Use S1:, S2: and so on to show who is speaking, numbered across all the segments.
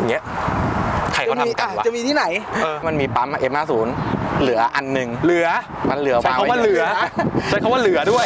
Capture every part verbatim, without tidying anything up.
S1: อย่างเงี้ยใครเขาทำกันวะ
S2: จะมีที่ไหน
S3: มันมีปั๊ม เอ็ม ห้าสิบ เหลืออันหนึ่ง
S1: เหลือ
S3: มันเหลือ
S1: ใช้คำว่าเหลือใช้คำว่าเหลือด้วย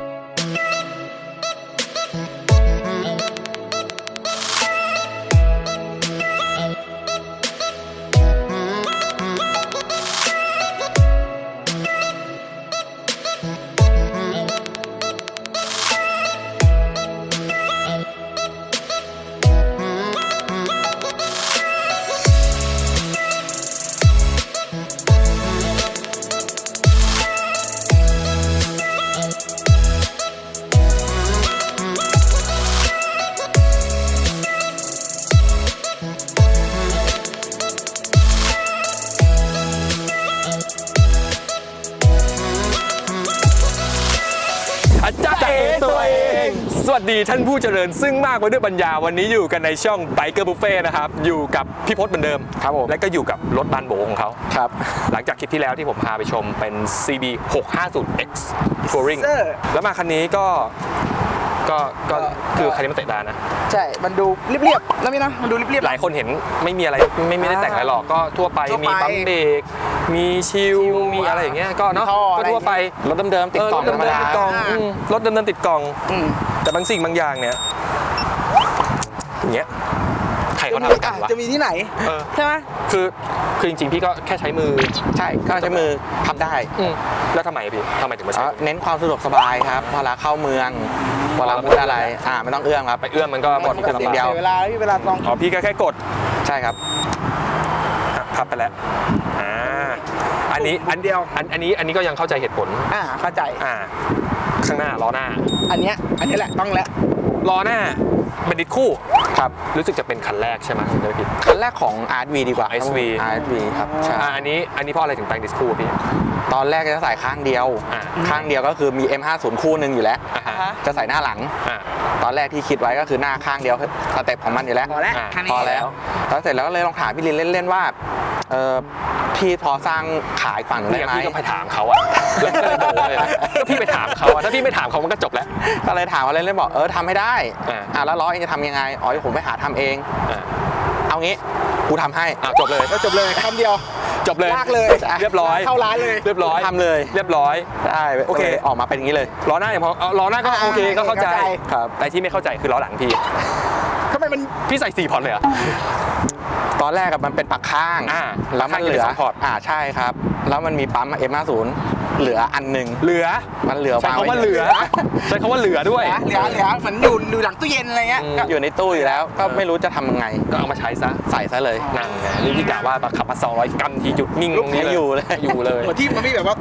S1: สวัสดีท่านผู้เจริญซึ่งมากไปด้วยปัญญาวันนี้อยู่กันในช่อง Biker Buffet นะครับอยู่กับพี่พจน์เหมือนเดิม
S3: ครับผม
S1: และก็อยู่กับรถบานโบของเขา
S3: ครับ
S1: หลังจากคลิปที่แล้วที่ผมพาไปชมเป็น ซี บี หกห้าศูนย์ เอ็กซ์ Touring แล้วมาคันนี้ก็ก็ก็คือคันนี้มันเตะตานะ
S2: ใช่มันดูเรียบๆแล้วนี่นะมันดูเรียบ
S1: ๆหลายคนเห็นไม่มีอะไรไม่ไม่ได้แต่งอะไรหรอกก็ทั่วไปมีปั๊มเบรกมีชิลมีอะไรอย่างเงี้ยก็เนาะก็ทั่วไป
S3: รถเดิมๆติดกล่องธรรมดาร
S1: ถเดิมๆติดกล่องแต่บางสิ่งบางอย่างเนี่ยอย่างเงี้ยใครเขาทำกันวะ
S2: จะมีที่ไหนใช่ไหม
S1: คือคือจริงๆพี่ก็แค่ใช้มือ
S3: ใช่ก็ใช้มือพับได้
S1: แล้วทำไมพี่ทำไมถึงมาใช้
S3: เน้นความสะดวกสบายครับเวลาเข้าเมืองเวลาพูดอะไรอ่าไม่ต้องเอื้อมครับ
S1: ไปเอื้อมมันก็หมด
S2: เสียงเดียวเวลาพี่เวลาลอง
S1: อ๋อพี่ก็แค่กด
S3: ใช่ครับ
S1: พับไปแล้วอ่าอันนี้อันเดียวอันอันนี้อันนี้ก็ยังเข้าใจเหตุผล
S2: อ่าเข้าใจ
S1: อ่าข้างหน้าล้อหน้า
S2: อันเนี้ยอันนี้แหละต้องแล้ว
S1: ล้อหน้าเป็นดิสคู่
S3: ครับ
S1: รู้สึกจะเป็นคันแรกใช่ไหมไม่ผิด
S3: คันแรกของ อาร์ วี ดีกว่า
S1: เอส วี
S3: อาร์ วี ครับใช่
S1: อันนี้อันนี้เพราะอะไรถึงแต่งดิสคู่พี่
S3: ตอนแรกจะใส่ข้างเดียวข้างเดียวก็คือมี เอ็ม ห้าสิบ คู่หนึ่งอยู่แล้วจะใส่หน้าหลังตอนแรกที่คิดไว้ก็คือหน้าข้างเดียวสเต็ปของมันอยู่แล้ว
S2: พอแล้ว
S3: พอแล้วแล้วเสร็จแล้วก็เลยลองถามพี่ลินเล่นๆว่าเออพี่พอสร้างขายฝั่งได้ไหม
S1: พี่ก็ไปถามเขาอะแล้วก็เลยโดนเลยก็พี่ไปถามเขาอะถ้าพี่ไม่ถามเขามันก็จบแล้ว
S3: ก็เลยถามว่าเล่นๆบอกเออทำให้ได้อ่าแล้วล้อเองจะทำยังไงอ๋อผมไปหาทำเองเอางี้กูทำให้
S1: อ่ะจบเลย
S2: ก็จบเลยคำเดียว
S1: จบเลย
S2: ลากเลย
S1: เรียบร้อย
S2: เข้าร้านเลย
S1: เรียบร้อย
S3: ทำเลย
S1: เรียบร้อย
S3: ได้โอเคออกมาเป็นอย่างนี้เลย
S1: ล้อหน้าพอล้อหน้าก็โอเคก็เข้าใจ
S3: ครับ
S1: แต่ที่ไม่เข้าใจคือล้อหลังพี่
S2: ทำไมมัน
S1: พี่ใส่สี่พอร์ตเลยอะ
S3: ตอนแรกมันเป็นปักข้างแล้วมันเหลืออ่าใช่ครับแล้วมันมีปั๊ม เอ็ม ห้าสิบ เหลืออันหนึ่ง
S1: เหลือ
S3: มันเหลือ
S1: ใช้คำว่าเหลือใช้คำว่าเหลือด้วย
S2: เหลือเหลือเหมือนอยู่อยู่หลังตู้เย็นอะไรเงี้ย
S3: อยู่ในตู้อยู่แล้วก็ไม่รู้จะทำยังไง
S1: ก็เอามาใช้ซะ
S3: ใส่ซะเลย
S1: นั่งไงนี่พี่กะว่าขับมาสองร้อยกรัมทีหยุดนิ่งตรงนี้
S3: อยู่เลย
S1: อยู่เลย
S2: เหมือนที่มันมีแบบว่า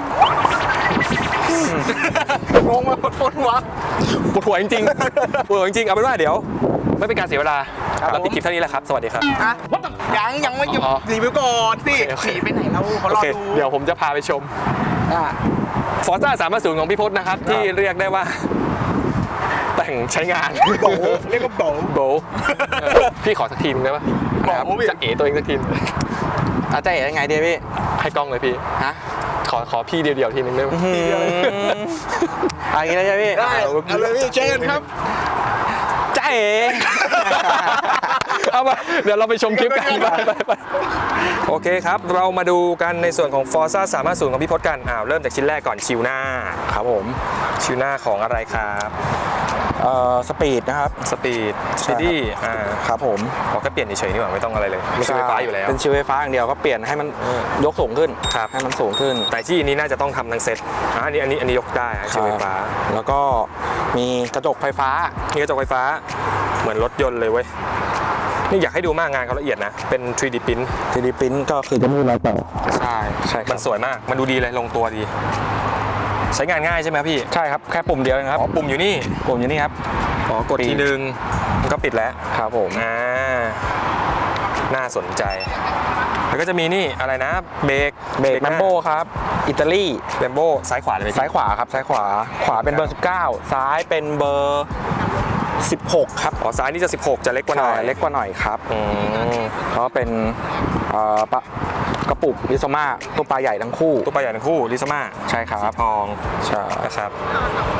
S2: ลงมาปวดหัว
S1: ปวดหัวจริงๆปวดหัวจริงๆเอาเป็นว่าเดี๋ยวไม่เป็นการเสียเวลาเราปิดคลิปเท่านี้แหละครับสวัสดีครับ
S2: ยังยังไม่หยุดรีวิวก่อนสิหนีไปไหนเราเขารอดู
S1: เดี๋ยวผมจะพาไปชมฟอร์ซ่าสามห้าศูนย์ของพี่พจน์นะครับที่เรียกได้ว่าแต่งใช้งาน
S2: โบเรียกว่าโบ
S1: โบพี่ขอสักทีนึงได้ปะจะเอ๋ตัวเองสักที
S3: อาจจะเอ๋ยังไงดีพี่
S1: ให้กล้องเลยพี่
S3: ฮะ
S1: ขอขอพี่เดียวๆทีนึงได้ไหม
S3: อะไรนะพี่
S2: ได้เอาเลยพี่เชิญครับ
S3: จ้าเอ๋
S1: เอามาเดี๋ยวเราไปชมคลิปกันไปไปโอเคครับเรามาดูกันในส่วนของ Forza สามห้าศูนย์ของพี่พจน์กันอ้าวเริ่มจากชิ้นแรกก่อนชิวหน้า
S3: ครับผม
S1: ชิวหน้าของอะไรครับ
S3: เอ่อสปีดนะครับ
S1: สปีดสปีดี้อ่า
S3: ครับผม
S1: ขอแค่เปลี่ยนเฉยๆนี่หว่าไม่ต้องอะไรเลยไม่ใช่ไฟฟ้าอยู่แล้ว
S3: เป็นชิวไฟฟ้าอย่างเดียวก็เปลี่ยนให้มันยกสูงขึ้น
S1: ครับ
S3: ให้มันสูงขึ้น
S1: แต่ที่นี้น่าจะต้องทำทั้งเซ็ตอ่าอันนี้อันนี้อันนี้ยกได้ชิวไฟฟ้า
S3: แล้วก็มีกระจกไฟฟ้า
S1: มีกระจกไฟฟ้าเหมือนรถยนต์เลยเว้ยนี่อยากให้ดูมากงานเขาละเอียดนะเป็น ทรี ดี print
S3: ทรี ดี print ก็คือจะมีรอยต่อ
S1: ใช่ใช่มันสวยมากมันดูดีเลยลงตัวดีใช้งานง่ายใช่ไหมพี่
S3: ใช่ครับแค่ปุ่มเดียวเองครับ
S1: อ๋อปุ่มอยู่นี่
S3: ปุ่มอยู่นี่ครับ
S1: อ๋อกดทีนึงมันก็ปิดแล้ว
S3: ครับผม
S1: อ่าน่าสนใจแล้วก็จะมีนี่อะไรนะเบรก
S3: เบรกแมมโบครับอิตาลี
S1: แมมโบซ้ายขวาเลย
S3: ซ้ายขวาครับซ้ายขวาขวาเป็นเบอร์สิบเก้าซ้ายเป็นเบอร์สิบหกครับ
S1: อ๋อซ้ายนี่จะสิบหกจะเล็กกว่าหน่อย
S3: เล็กกว่าหน่อยครับอืมเพราะเป็นเอ่อกระปุกลิโซมาตัวปลาใหญ่ทั้งคู่
S1: ตัวปลาใหญ่ทั้งคู่ลิโซมา
S3: ใช่ครับ
S1: ทอง
S3: ใช่
S1: นะครับ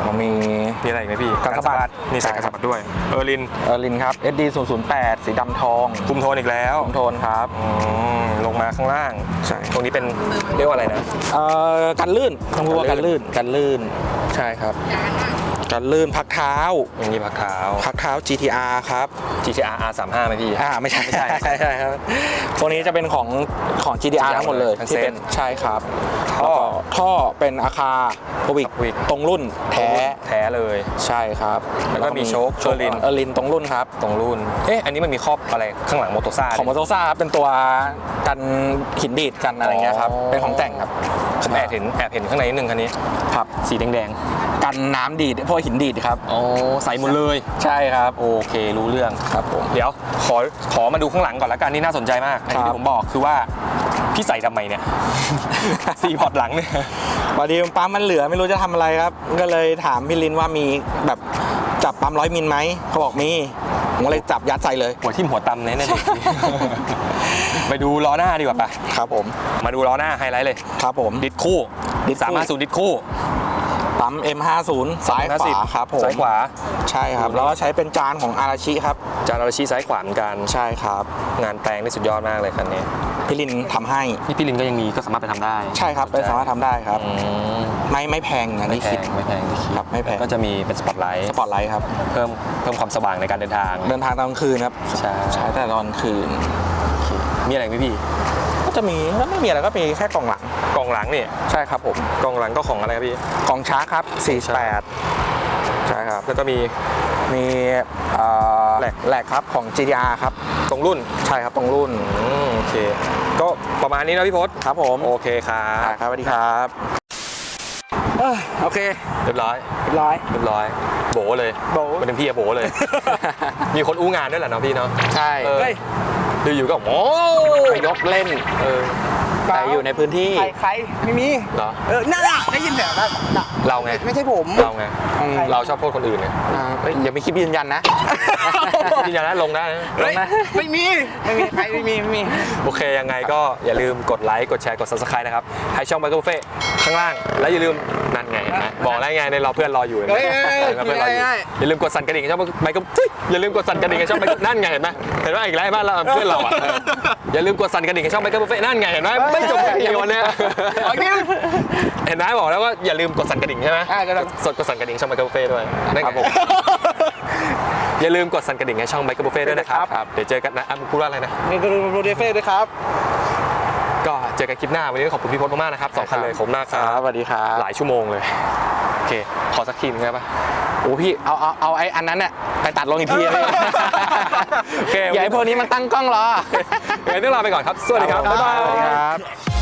S3: ผมมี
S1: มีอะไรอีกไหมพี่
S3: การสะบัด
S1: นี่ใส่การสะบัดด้วยเออร์ลิน
S3: เออร์ลินครับ เอส ดี ศูนย์ ศูนย์ แปด สีดำทอง
S1: คุมโทนอีกแล้ว
S3: คุมโทนครับ
S1: อืมลงมาข้างล่าง
S3: ใช่
S1: ตรงนี้เป็นเรียกว่าอะไรนะ
S3: เอ่อกันลื่นต้องพูดว่ากันลื่นกันลื่นใช่ครับกันลื่นพักเท้า
S1: อย่างนี้พักเท้า
S3: พักเท้า จี ที อาร์ ครับ
S1: จี ที อาร์ อาร์ สามสิบห้า ไหมพี่
S3: อ่าไม่ใช่
S1: ไม่ใช่
S3: ใช่ใช่ครับพวกนี้จะเป็นของของ จี ที อาร์ ทั้งหมดเลย
S1: ทั้ง
S3: ที่
S1: เซ็ต
S3: เป็นใช่ครับ
S1: ท่อ
S3: แล้วก็ท่อเป็นอาคาโควิก
S1: Avic
S3: ตรงรุ่นแท้
S1: แท้เลย
S3: ใช่ครับ
S1: แล้วก็มีโชค
S3: โชค
S1: Erlin
S3: เออร์ลินตรงรุ่นครับ
S1: ตรงรุ่น เอ๊ะ อันนี้มันมีครอบอะไรข้างหลังโมโตซ่า
S3: ของมอเตอร์ซ่าเป็นตัวกันหินดีดกันอะไรเงี้ยครับเป็นของแต่งครับ
S1: ผมแอบเห็นแอบเห็นข้างในนิดนึงคันนี้
S3: ครับ
S1: สีแดง
S3: กันน้ำดีดพวกหินดีดครับ
S1: ๆอ๋อใสหมดเลย
S3: ใช่ครับ
S1: โอเครู้เรื่อง
S3: ครับผม
S1: เดี๋ยวขอขอมาดูข้างหลังก่อนละกันนี่น่าสนใจมากอย่าง
S3: ครั
S1: ที่
S3: บ
S1: ผมบอกคือว่าพี่ใส่ทำไมเนี่ย ซีพอร์ตหลังเนี่ย
S3: พอดีปั๊มมันเหลือไม่รู้จะทำอะไรครับ ก็เลยถามพี่ลินว่ามีแบบจับปั๊มร้อยมิลไหมเขาบอกมีผมก็เลยจับยัดใส่เลย
S1: หัวทิ่มหัวตำเนี่ยเนี่ยเด็ก ไปดูล้อหน้าดีกว่าปะ
S3: ครับผม
S1: มาดูล้อหน้าไฮไลท์เลย
S3: ครับผม
S1: ดิสคู่
S3: ดิสคู่
S1: สามารถสูดิสคู่
S3: ปั๊ม เอ็ม ห้าสิบ ซ้ายขวาครับผม
S1: ซ้ายขวา
S3: ใช่ครับ แล้วก็ใช้เป็นจานของอาราชิครับ
S1: จานอาราชิซ้ายขวาเหมือนกัน
S3: ใช่ครับ
S1: งานแปลงนี่สุดยอดมากเลยคันนี้
S3: พี่ลินทำให้
S1: นี่พี่ลินก็ยังมีก็สามารถไปทำได้
S3: ใช่ครับไปสามารถทำได้ครับ
S1: อืม
S3: ไม่ไม่แพงอย่าง
S1: ไม่
S3: ที่
S1: แพ
S3: คิด
S1: งไม่แพงที่คิด
S3: ครับไม่แพง
S1: ก็จะมีเป็นสปอตไลท์
S3: สปอตไลท์ครับ
S1: เพิ่มเพิ่มความสว่างในการเดินทาง
S3: เดินทางตอนกลางคืนครับ
S1: ใช่
S3: ใช้แต่ตอนกลางคืน
S1: มีอะไรไหมพี่
S3: ก็จะมีก็ไม่มีอะไรก็มีแค่กล่องหลัง
S1: กล่องหลังนี่
S3: ใช่ครับผม
S1: กล่องหลังก็ของอะไรครับพี่
S3: กล่องช้าครับสี่สิบแปดใช่ครับ
S1: แล้วก็มี
S3: มีเอ่อ
S1: แหลก
S3: แหลกครับของ จี ที อาร์ ครับ
S1: ตรงรุ่น
S3: ใช่ครับตรงรุ่น
S1: อืมโอเค ก็ประมาณนี้นะพี่พศ
S3: ครับผม
S1: โอเคครั
S3: อ่า
S1: บ
S3: ครับสวัสดีครับเอ้ยโอเค
S1: เรียบร้อย
S3: เรียบร้อย
S1: เรียบร้อยโบเลย
S3: โบ
S1: มันเป็นพี่อะโบเลย มีคนอู้งานด้วยแหละเนาะพี่เนาะ
S3: ใช่
S1: เออ
S3: เฮ้ย
S1: อยู่ๆก็โอ้
S3: ไปยกเล่น
S1: เออ
S3: แต่อยู่ในพื้นที่
S2: ใครใครไม่มี
S1: เหรอ
S2: เออนั่นน่ะได้ยินแบบนั้นน่ะ
S1: เราไง
S2: ไม่ใช่ผม
S1: เราไง
S3: อืม
S1: เราชอบโทษคนอื่นไง
S3: อ่าเอ้ยอย่ามีคลิปยืนยันนะ
S1: ยืนยันนะลงได้นะ
S2: เฮ้ยไม่มีไม่มีใครไม่มีไม่มี
S1: โอเคยังไงก็อย่าลืมกดไลค์กดแชร์กด ซับสไครบ์ นะครับให้ช่องไบเคิลเฟ่ข้างล่างแล้วอย่าลืมนั่นไงเห็นไหมบอกแล้วไงในรอเพื่อนรออยู่เห็นไหม
S2: เฮ้ยเฮ้ยเฮ้ย
S1: เพื่อนรออยู่
S2: เฮ้ย
S1: อย่าลืมกดสั่นกระดิ่งให้ช่องไบเคิลอย่าลืมกดสั่นกระดิ่งให้ช่องไบเคิลนั่นไงเห็นไหมเห็นไหมอีกแล้วบ้านเราเพื่อนเราอ่ะเอออย่าลืมกดสั่นกระดิ่งให้ช่องไบเคิลเฟ่นั่นไงเห็นไหมไม่จบแค่นี้วันเนี้ย
S2: โอเค
S1: เห็นไหมบอกแล้วว่าอย่าลืมกดสั่นกระดิ่งใช่ไหม
S2: อ่าก็ต้อง
S1: สดกดสั่นกระดิ่งช่องไบเคิลเฟ่ด้วยนั่นไง
S3: ครับผม
S1: อย่าลืมกดสั่นกระดิ่งให้ช่องไบเคิลเฟ่ด้วยนะครับ
S3: ครับ
S1: เดี๋ยวเจอกันนะอ่ะพูดว่าอะไรนะ
S2: นี่คือโปรดิวเซอร์ด้วยครับ
S1: ก็เจอกันคลิปหน้าวันนี้ขอบคุณพี่พจน์มากๆนะครับสองคันเลยผมหน้าค
S3: ค
S1: รั
S3: รับบ สวัสดีครับ
S1: หลายชั่วโมงเลย โอเค ขอสักทีนึงได้ปะ
S3: โอ้พี่เอาเอาเอาไอ้อันนั้นเนี่ยไปตัดลงอีกทีเลย
S1: โอเค
S3: อย่าให้พวกนี้มันตั้งกล้องรอ
S1: งั้นต้องลาไปก่อนครับ สวัสดีครับ บ๊ายบา
S3: สวัสดีค
S1: ย
S3: รับ